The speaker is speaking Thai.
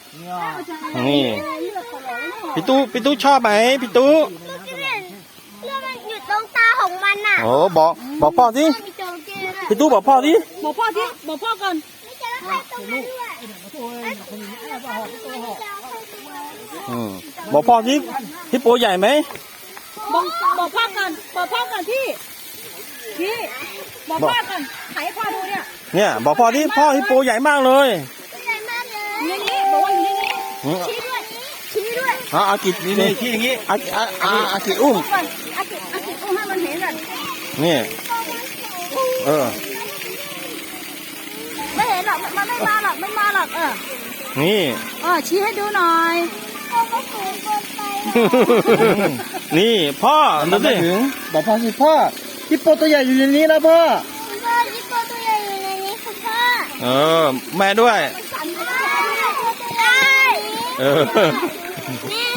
นี่พี่ตู้ชอบไหมพี่ตู้เรื่องมันอยู่ตรงตาของมันน่ะโอ้บอกพ่อสิพี่ตู้บอกพ่อสิบอกพ่อที่บอกพ่อก่อนไม่เจอใครตรงนั้นด้วยบอกพ่อสิฮิปโปใหญ่ไหมบอกพ่อก่อนบอกพ่อก่อนที่บอกพ่อก่อนถ่ายให้พ่อดูเนี่ยเนี่ยบอกพ่อที่พ่อฮิปโปใหญ่มากเลยใหญ่มากเลยนี่บอกว่าอยู่นี่ชี้ด้วยอากินี่ที่อย่างงี้อากิอุ้มก่อนอากิอุ้มให้มันเห็นก่อนนี่เออไม่เห็นหรอกมันไม่มาหรอกนี่ชี้ให้ดูหน่อยเขาก็สูงเกินไปนี่พ่อดูสิบอกพ่อสิพ่อฮิปโปตัวใหญ่อยู่ในนี้นะพ่อคุณพ่อที่ตัวตัวใหญ่อยู่ในนี้คุณพ่อแม่ด้วยสั่นไม่ได้เออแม่